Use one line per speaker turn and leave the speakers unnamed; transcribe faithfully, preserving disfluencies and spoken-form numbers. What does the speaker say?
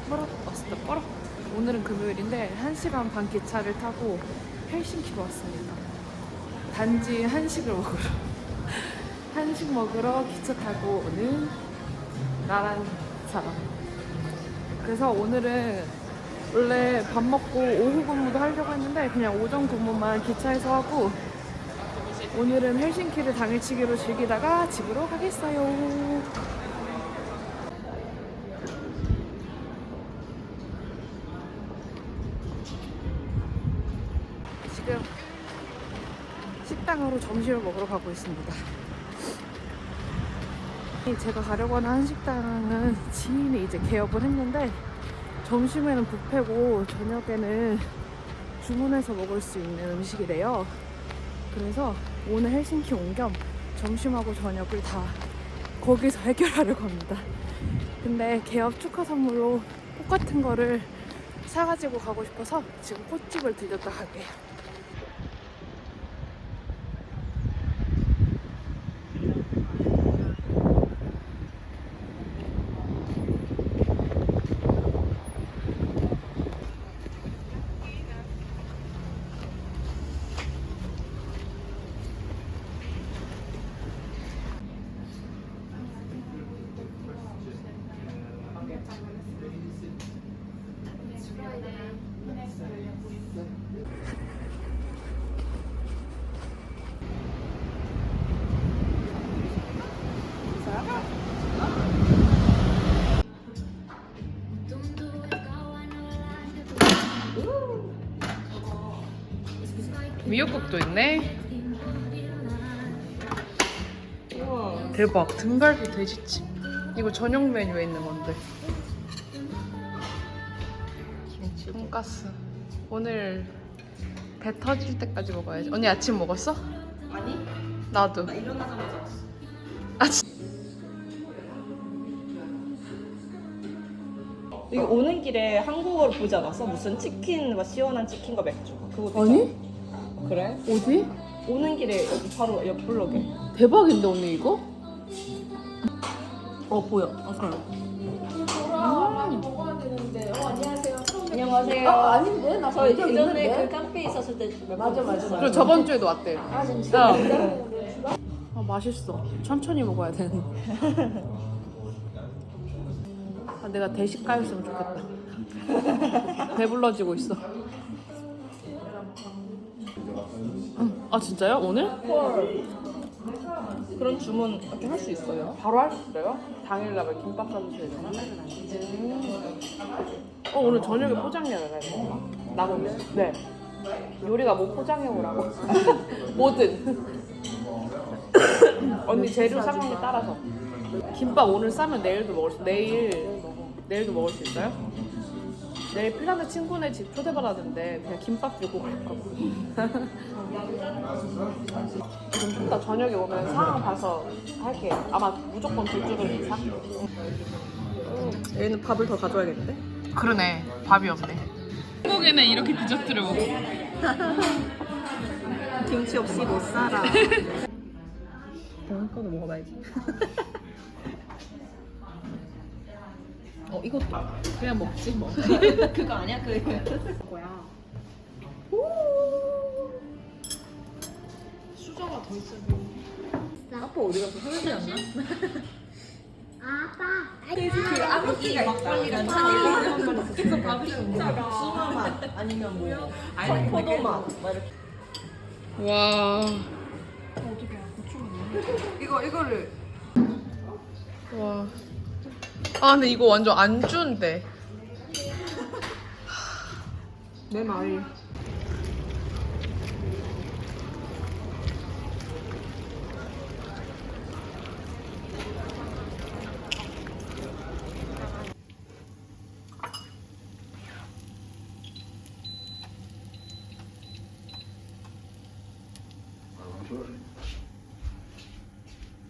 뻐럭 왔다 뻐럭. 오늘은 금요일인데 한 시간 반 기차를 타고 헬싱키로 왔습니다. 단지 한식을 먹으러 한식 먹으러 기차 타고 오는 나란 사람. 그래서 오늘은 원래 밥 먹고 오후 근무도 하려고 했는데 그냥 오전 근무만 기차에서 하고 오늘은 헬싱키를 당일치기로 즐기다가 집으로 가겠어요. 지금 식당으로 점심을 먹으러 가고 있습니다. 제가 가려고 하는 한식당은 지인이 이제 개업을 했는데 점심에는 뷔페고 저녁에는 주문해서 먹을 수 있는 음식이래요. 그래서 오늘 헬싱키 온 겸 점심하고 저녁을 다 거기서 해결하려고 합니다. 근데 개업 축하 선물로 꽃 같은 거를 사가지고 가고 싶어서 지금 꽃집을 들렸다 갈게요. 미역국도 있네. 우와, 대박. 등갈비 돼지찜. 이거 저녁 메뉴에 있는 건데. 돈가스. 오늘 배 터질 때까지 먹어야지. 언니 아침 먹었어?
아니?
나도.
나 일어나자마자 왔어.
아, 진-
여기 오는 길에 한국어로 보지 않았어? 무슨 치킨, 막 시원한 치킨과 맥주. 그거
아니?
그래?
어디?
오는 길에 여기 바로 옆 블럭에.
대박인데 언니 이거?
어 보여. 아 그래.
많이 먹어야 되는데. 어, 안녕하세요.
안녕하세요.
아, 아닌데? 나
저
본적
예전에
있는데?
그 카페에 있었을 때
맞아, 맞아, 맞아.
그리고 저번 주에도 왔대.
아, 진짜?
어. 아 맛있어. 천천히 먹어야 되는. 아, 내가 대식가였으면 좋겠다. 배불러지고 있어. 음, 아 진짜요? 오늘?
헐. 그런 주문 이렇게 할 수 있어요?
바로 할 수 있어요? 당일날 김밥 사주셔야 되나? 음. 어 오늘 저녁에 포장해야 되나? 남으면? 네. 요리가 뭐 포장해 오라고? 뭐든. 언니 재료 상황에 따라서. 김밥 오늘 싸면 내일도 먹을 수 내일 내일도 먹을 수 있어요? 내일 핀란드 친구네 집 초대받았는데 그냥 김밥 들고 갈까 봐. 좀 이따 저녁에 오면 상황 봐서 할게. 아마 무조건 두 줄은 이상?
얘는 밥을 더 가져야겠는데?
그러네. 밥이 없네. 한국에는 이렇게 디저트를 먹어.
김치 없이 못 살아. 다음 거도 먹어봐야지. 어 이것도
그냥 먹지 뭐.
그거 아니야? 그
뭐야? 수저가 더 있어.
아빠 어디 갔어? 설레지 않나?
아빠.
그 아버지 막걸리랑 찬이 밖에서 밥이 진짜 복숭아 맛 아니면 뭐 아니 포도 맛 막 이렇게.
와.
이거 이거를
와. 아 근데 이거 완전 안주인데.
내 말이